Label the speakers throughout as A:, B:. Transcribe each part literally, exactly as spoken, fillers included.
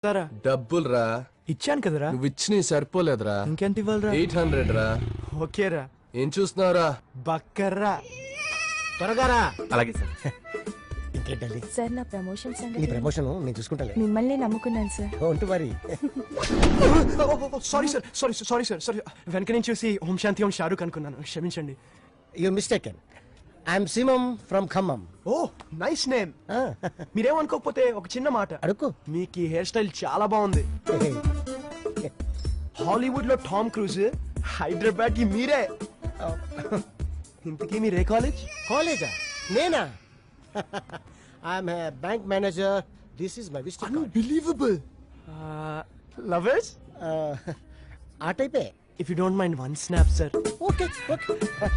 A: డబ్బులు రా
B: ఇచ్చాను కదరా.
A: నువ్వు ఇచ్చిన సరిపోలేదురా.
B: ఇంకెంత ఇవ్వాలరా?
A: ఎయిట్ హండ్రెడ్ రా.
B: ఓకేరా.
A: ఏం చూస్తున్నావురా?
B: బక్కర్రా.
C: త్వరగా రా.
D: అలాగే సార్.
C: ఇంకేంటండి
E: సార్ నా ప్రమోషన్
C: నీ
E: సంగతి
C: ప్రమోషన్ నేను చూసుకుంటాను.
E: మిమ్మల్ని నమ్ముకున్నాను సార్.
C: ఒంటి మరి
B: sorry sir sorry sorry sir sorry వెనక నుంచి చూసి ఓం శాంతి ఓం షారూక్ అనుకున్నాను, క్షమించండి.
C: You mistaken. I'm Simham from Khammam.
B: Oh nice name. మీరేమనుకోకపోతే ఒక చిన్న మాట
C: అడుక్కు.
B: మీకు ఈ హెయిర్ స్టైల్ చాలా బాగుంది. హాలీవుడ్ లో టామ్ క్రూజ్, హైదరాబాద్ కి మీరే. ఇంతకీ మీరే కాలేజ్?
C: కాలేజా? నేనా? I'm bank manager. This is my visiting card.
B: Unbelievable. Lovers?
C: ఆ టైపే.
B: If you don't mind one snap sir.
C: Okay okay.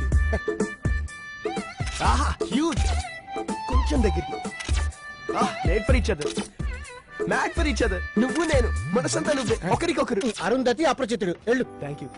B: ఆహా క్యూట్. కొంచెం దగ్గరికి. Ah made for each other. Mad for each other. నువ్వు నేను మనసంతా నువ్వే, ఒకరికొకరు.
C: అరుంధతి అప్రచితుడు. వెళ్ళు.
B: Thank you.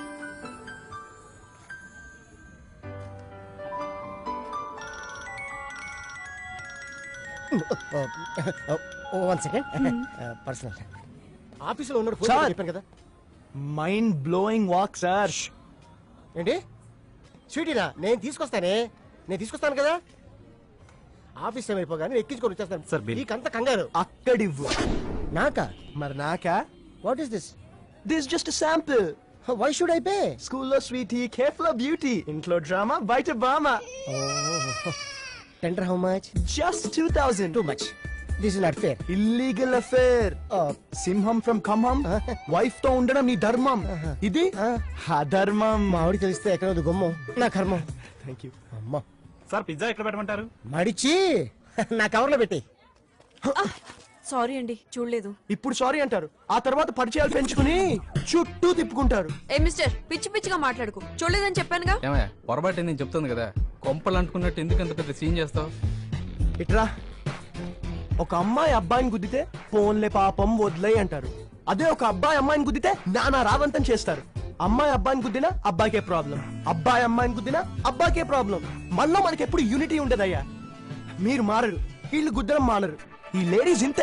C: One second. Personal. ఆఫీసులో ఉన్నాడు ఫోన్
B: సార్.
C: చెప్పాను కదా.
B: Mind blowing walk sir.
C: ఏంటి స్వీటీనా? నేను తీసుకొస్తానే, నేను తీసుకొస్తాను కదా. ఆఫీస్ టైం అయిపోగానే ఎక్కించుకొని
D: సార్,
C: వచ్చేస్తాను.
D: బిల్.
C: నీకంత కంగారు
B: అక్కడివ్వు.
C: నాకా?
B: మరి నాకా?
C: What is this?
B: This just sample.
C: Why should I pay?
B: స్కూల్లో స్వీటీ, కేఫ్లో బ్యూటీ, ఇంట్లో డ్రామా, బయట బామా.
C: Tender how much?
B: Just two thousand.
C: Too much. This is not fair.
B: Illegal affair. సింహం ఫ్రమ్ ఖమ్మం. వైఫ్ తో ఉండడం నీ ధర్మం. ఇది అధర్మం.
C: మా ఆవిడ తెలిస్తే ఎక్కడ గుమ్మం నా కర్మం.
B: Thank you.
C: అమ్మా
D: సార్ పిజ్జా ఎక్కడ పెట్టమంటారు?
C: మడిచి నా కవర్లో పెట్టి.
E: సారీ అండి, చూడలేదు.
B: ఇప్పుడు సారీ అంటారు, ఆ తర్వాత పరిచయాలు పెంచుకుని చుట్టూ తిప్పుకుంటారు.
E: ఏ మిస్టర్, పిచ్చి పిచ్చిగా మాట్లాడుకో. చూడలేదని చెప్పానుగా.
F: ఏమయ్య పొరపాటు నేను చెప్తుంది కదా, కొంపలు అంటుకున్నట్టు ఎందుకు అంత పెద్ద సీన్ చేస్తావు?
B: ఇట్రా. ఒక అమ్మాయి అబ్బాయిని గుద్దితే పోన్లే పాపం వదిలేయ్ అంటారు. అదే ఒక అబ్బాయి అమ్మాయిని గుద్దితే నానా రావంతం చేస్తారు. అమ్మాయి అబ్బాయిని గుద్దినా అబ్బాయికే ప్రాబ్లం, అబ్బాయి అమ్మాయిని గుద్దినా అబ్బాయికే ప్రాబ్లం. మనలో మనకి ఎప్పుడు యూనిటీ ఉండదయ్యా. మీరు మారరు, వీళ్ళు గుద్దరం మానరు. ఈ లేడీస్ ఇంతే.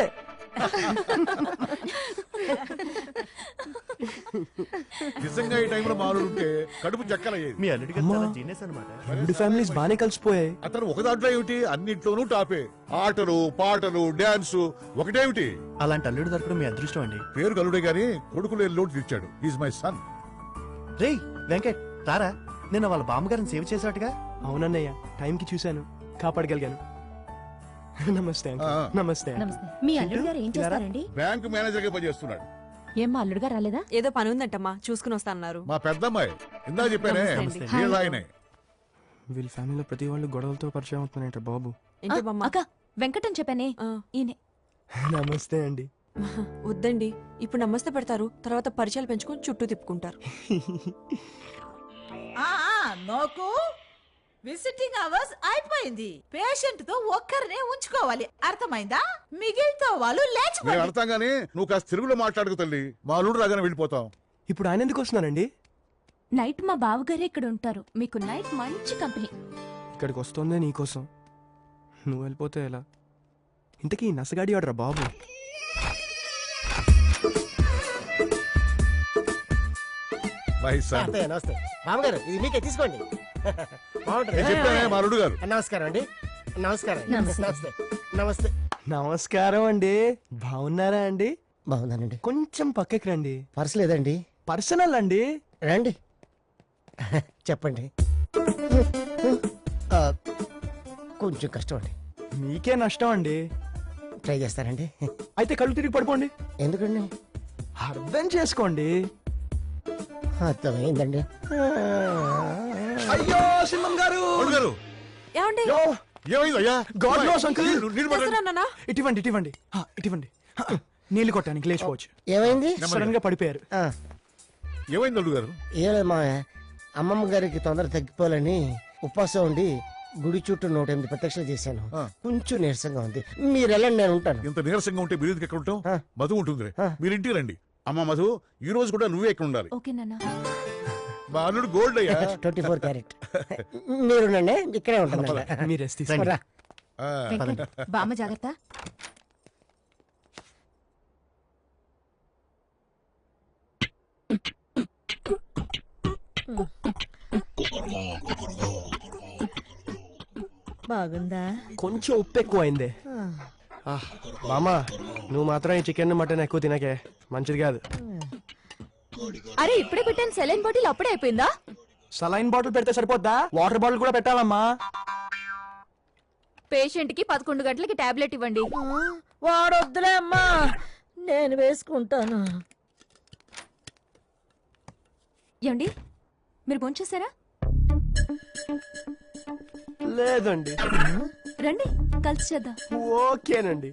G: నిజంగా ఈ టైంలో మారుంటే కడుపు చక్కలయ్యేది.
D: మీ అల్లుడికి చాలా జీనియస్ అన్నమాట.
B: రెండు ఫ్యామిలీస్ బానే కలిసిపోయాయి.
G: అతను ఒక దాంట్లో ఏమిటి, అన్నింట్లోనూ టాపే. ఆటలు పాటలు డాన్స్ ఒకటేమిటి.
D: అలాంటి అల్లుడు దొరకడం మీ అదృష్టం అండి.
G: పేరు కలుడే గాని కొడుకులు ఏ లోటు తెచ్చాడు. Is my son.
D: రేయ్ వెంకట్ తారా, నిన్న వాళ్ళ బామ్మగారిని సేవ్ చేసాటుగా.
B: అవునన్నయ్య, టైంకి చూశాను, కాపాడగలిగాను. నమస్తే అంకుల్.
G: ఆ.
B: నమస్తే.
E: నమస్తే. మీ అల్లుడు గారు ఏం చేస్తారండి?
G: బ్యాంక్ మేనేజర్ గా పనిచేస్తున్నాడు.
E: ఏం మా అల్లుడు గారు రాలేదా? ఏదో పని ఉందంటమ్మా, చూసుకుని వస్తాన్నారు.
G: మా పెద్దమ్మాయి ఇందా చెప్పానే,
E: నమస్తే అండి.
G: వీళ్ళ ఆయనే.
B: వీళ్ళ ఫ్యామిలీలో ప్రతి వాళ్ళు గొడవలతో పరిచయం అవుతున్నాయంట బాబు.
E: ఏంటి బామ్మ?
H: అక్క వెంకటం చెప్పానే
E: ఆ,
H: ఈయనే.
B: నమస్తే అండి.
E: వద్దండి, ఇప్పుడు నమస్తే పెడతారు, తర్వాత పరిచయాలు పెంచుకొని చుట్టూ తిప్పుకుంటారు.
I: నోకు విజిటింగ్ అవర్స్ అయిపోయింది. పేషెంట్ తో ఒక్కరినే ఉంచుకోవాలి, అర్థమైందా? మిగిలితో వాళ్ళు
G: మేము
I: లేచిపోయి.
G: అర్థం గానీ నువ్వు కాస్త తెలుగులో మాట్లాడుకు తల్లి. మా అల్లుడు రాగానే వెళ్ళిపోతాం.
B: ఇప్పుడు ఆయన ఎందుకు వస్తున్నారండి?
H: నైట్ మా బావగారే ఇక్కడ ఉంటారు. మీకు నైట్ మంచి కంపెనీ.
B: ఇక్కడికి వస్తుందే నీకోసం. నువ్వు వెళ్ళిపోతే ఎలా? ఇంతకీ నసగాడి ఆడరా బాబు.
G: My son.
C: అత్తయ్య నమస్తే. మామగారు ఇది మీకే తీసుకోండి. బాగుంటుంది.
G: నేను చెప్పానే మా అల్లుడు గారు.
C: నమస్కారం అండి. నమస్కారం.
H: నమస్తే.
C: నమస్తే. నమస్తే.
B: నమస్కారం అండి. బాగున్నారా అండి?
C: బాగున్నానండి.
B: కొంచెం పక్కకి రండి.
C: పర్స్ లేదండి.
B: పర్సనల్ అండి.
C: రండి చెప్పండి. ఆ, కొంచెం కష్టం అండి.
B: మీకే నష్టం అండి.
C: ట్రై చేస్తారండి.
B: అయితే కళ్ళు తిరిగి పడుకోండి.
C: ఎందుకండి?
B: అర్థం చేసుకోండి.
C: అర్థమైందండి.
B: అయ్యో సింహం గారు.
G: అల్లుడు గారు
E: ఏమండి?
B: యో,
G: ఏమైంది అయ్యా?
B: God knows, uncle.
G: నీళ్ళు- నీళ్ళు పడండి.
E: చేస్తున్నానా?
B: ఇటువంటి ఇటువంటి హా, ఇటువంటి హా, నీళ్లు కొట్టానికి లేచిపోవచ్చు.
C: ఏమైంది?
B: సడన్ గా పడిపోయారు.
C: ఆ,
G: ఏమైంది అల్లుడు గారు?
C: ఏం లేదు మా అమ్మమ్మ గారికి తొందర తగ్గిపోవాలని ఉపవాసం ఉండి గుడి చుట్టూ నూట ఎనిమిది ప్రత్యక్షలు చేశాను.
G: ఆ.
C: కొంచెం నీరసంగా ఉంది. మీరు వెళ్ళండి, నేను ఉంటాను.
G: ఇంత నీరసంగా ఉంటే మీరు ఎక్కడ ఉంటాం?
C: ఆ.
G: మధు ఉంటుంది.
C: ఆ.
G: మీరు ఇంటికి రండి. అమ్మ మధు, ఈ రోజు కూడా నువ్వే ఇక్కడ ఉండాలి.
H: ఓకే నాన్న.
G: మా అల్లుడు గోల్డ్ అయ్యా.
C: Twenty four carat. మీరుండండి, ఇక్కడే ఉంటాను.
B: మీరు రెస్ట్ తీసుకోండి.
C: రా.
G: ఆ.
H: వెంకట్ బామ్మ జాగ్రత్త.
I: బాగుందా?
B: కొంచెం ఉప్పు ఎక్కువ అయింది. మామా నువ్వు మాత్రం ఈ చికెన్ మటన్ ఎక్కువ తినకే, మంచిది కాదు.
H: అరే ఇప్పుడే పెట్టాను సెలైన్ బాటిల్ అప్పుడే అయిపోయిందా?
B: సలైన్ బాటిల్ పెడితే సరిపోద్దా? వాటర్ బాటిల్ కూడా పెట్టాలమ్మా.
H: పేషెంట్ కి పదకొండు గంటలకి టాబ్లెట్ ఇవ్వండి.
I: వాడొద్దులే అమ్మా, నేను వేసుకుంటాను.
H: ఏమండి మీరు భోంచేశారా?
B: లేదండి.
H: రండి కలిసి చేద్దాం.
B: ఓకేనండి.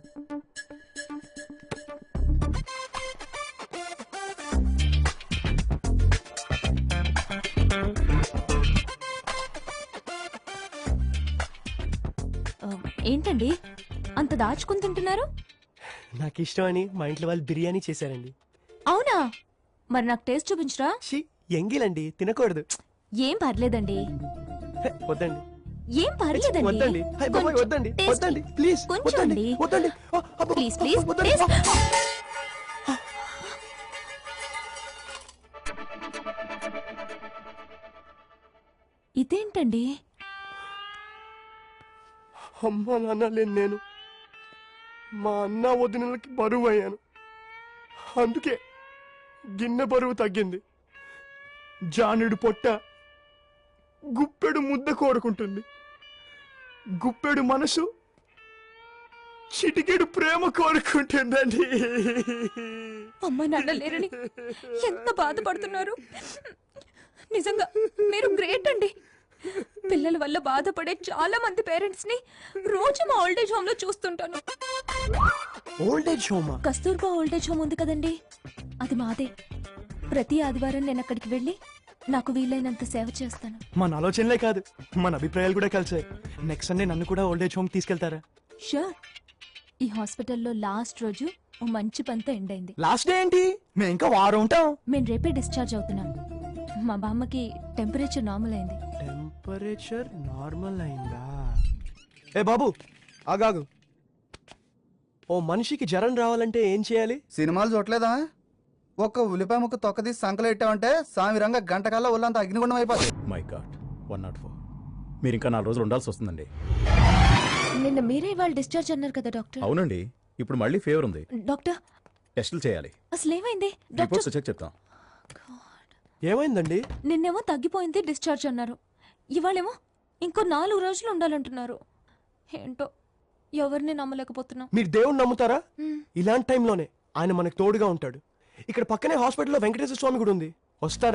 H: ఆ, ఏంటండి అంత దాచుకుని తింటున్నారు?
B: నాకు ఇష్టం అని మా ఇంట్లో వాళ్ళు బిర్యానీ చేశారండి.
H: అవునా? మరి నాకు టేస్ట్ చూపించరా?
B: షీ ఎంగిలండి, తినకూడదు.
H: ఏం పర్లేదండి.
B: హే, వద్దండి
H: ఏం పర్లేదండి.
B: వద్దండి. హై బాబాయ్,
H: కొంచెం
B: వద్దండి
H: taste-
B: వద్దండి ప్లీజ్
H: కొంచెం
B: వద్దండి
H: అండి.
B: వద్దండి ఆ, అబ్బో,
H: ప్లీజ్ ప్లీజ్
B: వద్దండి.
H: ప్లీజ్. ఇదేంటండి?
B: అమ్మ నాన్న లేని నేను మా అన్న వదినలకి బరువు అయ్యాను. అందుకే గిన్నె బరువు తగ్గింది. జానుడు పొట్ట గుప్పెడు ముద్ద కోరుకుంటుంది. గుప్పెడు మనసు చిటికెడు ప్రేమ కోరుకుంటుందండి.
H: అమ్మ నాన్న లేరని ఎంత బాధపడుతున్నారు. నిజంగా మీరు గ్రేట్ అండి. పిల్లల వల్ల బాధపడే చాలా మంది పేరెంట్స్ ని రోజు మా ఓల్డేజ్ హోమ్ లో చూస్తుంటాను.
B: ఓల్డేజ్ హోమా?
H: కస్తూర్బా ఓల్డేజ్ హోమ్ ఉంది కదండి, అది మాదే. ప్రతి ఆదివారం నేను అక్కడికి వెళ్ళి నాకు వీలైనంత సేవ చేస్తాను.
B: మన ఆలోచనలే కాదు, మన అభిప్రాయాలు కూడా కలిసాయి. నెక్స్ట్ సండే నన్ను కూడా ఓల్డేజ్ హోమ్ తీసుకెళ్తారా?
H: షూర్. ఈ హాస్పిటల్లో లాస్ట్ రోజు ఓ మంచి పంత ఎండ్ అయింది.
B: లాస్ట్ డే ఏంటి? మేము ఇంకా వారం ఉంటాం.
H: మేము రేపే డిశ్చార్జ్ అవుతున్నాం. మా బామ్మకి టెంపరేచర్ నార్మల్ అయింది.
B: టెంపరేచర్ నార్మల్ అయిందా? ఏ బాబు ఆగాగు. ఓ మనిషికి జ్వరం రావాలంటే ఏం చేయాలి?
J: సినిమాలు చూడలేదా? ఒక్క ఉల్లిపాయ ముక్క తొక్కదీసి సంకలు పెట్టామంటే సామిరంగా గంట కల్లా ఒళ్ళంతా అగ్నిగుండం అయిపోతుంది.
D: My god, one not four. మీరు ఇంకా నాలుగు రోజులు ఉండాల్సి వస్తుందండి.
H: నిన్న మీరే వాళ్ళు డిశ్చార్జ్ అన్నారు కదా డాక్టర్.
D: అవునండి, ఇప్పుడు మళ్ళీ ఫీవర్ ఉంది.
H: డాక్టర్
D: టెస్టులు చేయాలి.
H: అసలు ఏమైంది
D: రిపోర్ట్స్
H: డాక్టర్?
D: చెక్ చెప్తాం.
B: ఏమైందండి?
H: నిన్నేమో తగ్గిపోయింది డిశ్చార్జ్ అన్నారు, ఇవాళేమో ఇంకో నాలుగు రోజులు ఉండాలంటున్నారు. ఏంటో ఎవరిని నమ్మలేకపోతున్నాం.
B: మీరు దేవుణ్ణి నమ్ముతారా?
H: మ్మ్.
B: ఇలాంటి టైంలోనే ఆయన మనకు తోడుగా ఉంటాడు. ఇక్కడ పక్కనే హాస్పిటల్లో వెంకటేశ్వర స్వామి గుడి ఉంది, వస్తారా?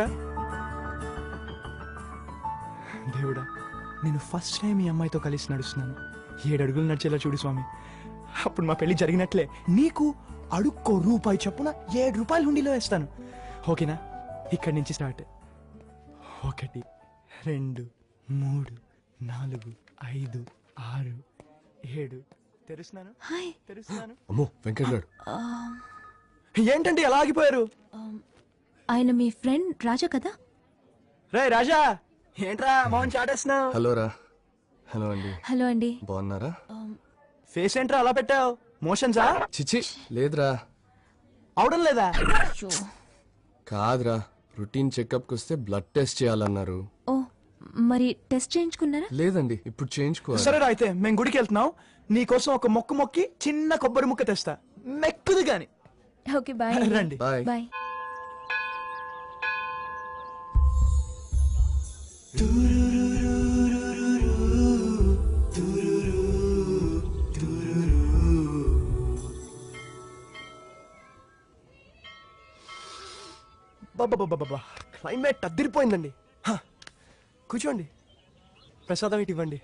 B: దేవుడా, నేను ఫస్ట్ టైం ఈ అమ్మాయితో కలిసి నడుస్తున్నాను. ఏడు అడుగులు నడిచేలా చూడు స్వామి. అప్పుడు మా పెళ్లి జరిగినట్లే నీకు అడుక్కో రూపాయి చొప్పున ఏడు రూపాయలు హుండీలో వేస్తాను. ఓకేనా? ఇక్కడి నుంచి స్టార్ట్. ఒకటి, రెండు, మూడు, నాలుగు, ఐదు, ఆరు, ఏడు. తెరుస్తున్నాను
H: హాయ్.
B: తెరుస్తున్నాను.
A: అమ్మో వెంకట్ గారు.
H: ఆ,
B: ఏంటండి ఎలా ఆగిపోయారు?
H: ఆ, ఆయన మీ ఫ్రెండ్ రాజా కదా?
B: రే రాజా, ఏంట్రా మౌన్ చాటేస్తున్నావు?
A: హలో రా. హలో అండి,
H: హలో అండి.
A: బాగున్నారా?
B: ఫేస్ ఏంట్రా అలా పెట్టావు? మోషన్సా?
A: చిచి లేదురా.
B: అవడం లేదా?
A: కాదురా, రొటీన్ చెకప్కి వస్తే బ్లడ్ టెస్ట్ చేయాలన్నారు.
H: ఓ మరి టెస్ట్ చేయించుకున్నారా?
A: లేదండి, ఇప్పుడు చేయించుకోవాలి.
B: సరేరా, అయితే మేము గుడికి వెళ్తున్నాం. నీకోసం ఒక మొక్కు మొక్కి చిన్న కొబ్బరి ముక్క తెస్తా, మెక్కుది గాని.
H: Okay bye.
B: రండి.
A: బాయ్.
H: బాయ్.
B: బాబా, క్లైమేట్ అద్దరిపోయిందండి. హ, కూర్చోండి, ప్రసాదం ఇటు ఇవ్వండి.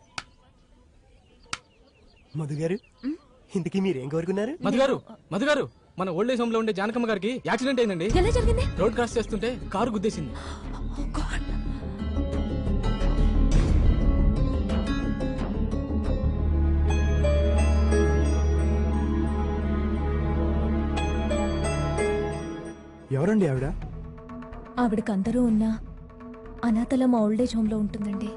B: మధు గారు, ఇంతకీ మీరేం కోరుకున్నారు?
F: మధు గారు, మధు గారు, మన ఓల్డ్ ఏజ్ హోమ్ లో ఉండే జానకమ్మ గారికి యాక్సిడెంట్ అయిందండి.
H: ఎలా జరిగింది?
F: రోడ్ క్రాస్ చేస్తుంటే కారు గుద్దేసింది.
H: Oh God.
B: ఎవరండి ఆవిడ?
H: ఆవిడకి అందరూ ఉన్నా అనాథల మా ఓల్డేజ్ హోమ్ లో ఉంటుందండి.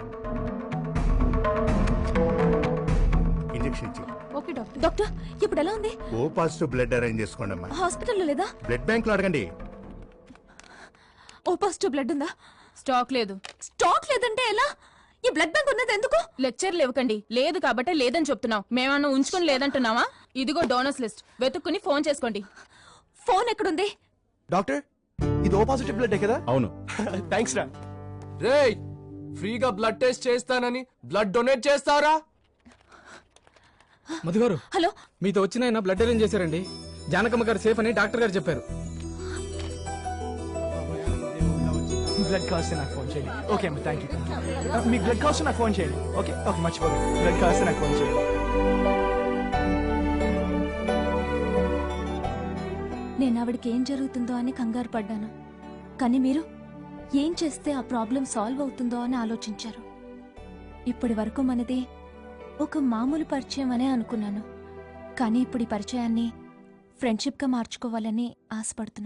G: ఇంజెక్షన్ ఇచ్చి
H: ఓకే డాక్టర్. డాక్టర్ ఇప్పుడు ఎలా ఉంది?
G: ఓ పాజిటివ్ బ్లడ్ అరేంజ్ చేసుకోండి అమ్మా.
H: హాస్పిటల్లో లేదా?
G: బ్లడ్ బ్యాంక్ లో అడగండి.
H: ఓ పాజిటివ్ బ్లడ్ ఉందా? స్టాక్ లేదు. స్టాక్ లేదంటే ఎలా? ఈ బ్లడ్ బ్యాంక్ ఉన్నది ఎందుకు? లెక్చర్లు ఇవ్వకండి. లేదు కాబట్టి లేదని చెప్తున్నావు. మేమన్నా ఉంచుకొని లేదంటున్నావా? ఇదిగో డోనర్స్ లిస్ట్, వెతుక్కుని ఫోన్ చేసుకోండి. ఫోన్ ఎక్కడుంది?
B: డాక్టర్ ఇది ఓ పాజిటివ్ బ్లడ్ కదా?
G: అవును.
B: థ్యాంక్స్ రా.
A: రేయ్ ఫ్రీగా బ్లడ్ టెస్ట్ చేస్తానని బ్లడ్ డొనేట్ చేస్తారా?
F: మధు గారు,
H: హలో,
F: మీతో వచ్చిన ఆయన బ్లడ్ అరేంజ్ చేశారండి. జానకమ్మ గారు సేఫ్ అని డాక్టర్ గారు చెప్పారు.
B: బ్లడ్ కావాల్సి నాకు ఫోన్ చేయండి. ఓకే అమ్మ, థ్యాంక్ యూ. మీకు బ్లడ్ కావాల్సి నాకు ఫోన్ చేయండి. ఓకే ఓకే, మర్చిపోదు. బ్లడ్ కావాల్సి నాకు ఫోన్ చేయండి.
H: నేను ఆవిడకి ఏం జరుగుతుందో అని కంగారు పడ్డాను, కానీ మీరు ఏం చేస్తే ఆ ప్రాబ్లం సాల్వ్ అవుతుందో అని ఆలోచించారు. ఇప్పటి వరకు మనది ఒక మామూలు పరిచయం అనే అనుకున్నాను, కానీ ఇప్పుడు ఈ పరిచయాన్ని ఫ్రెండ్షిప్గా మార్చుకోవాలని ఆశపడుతున్నాను.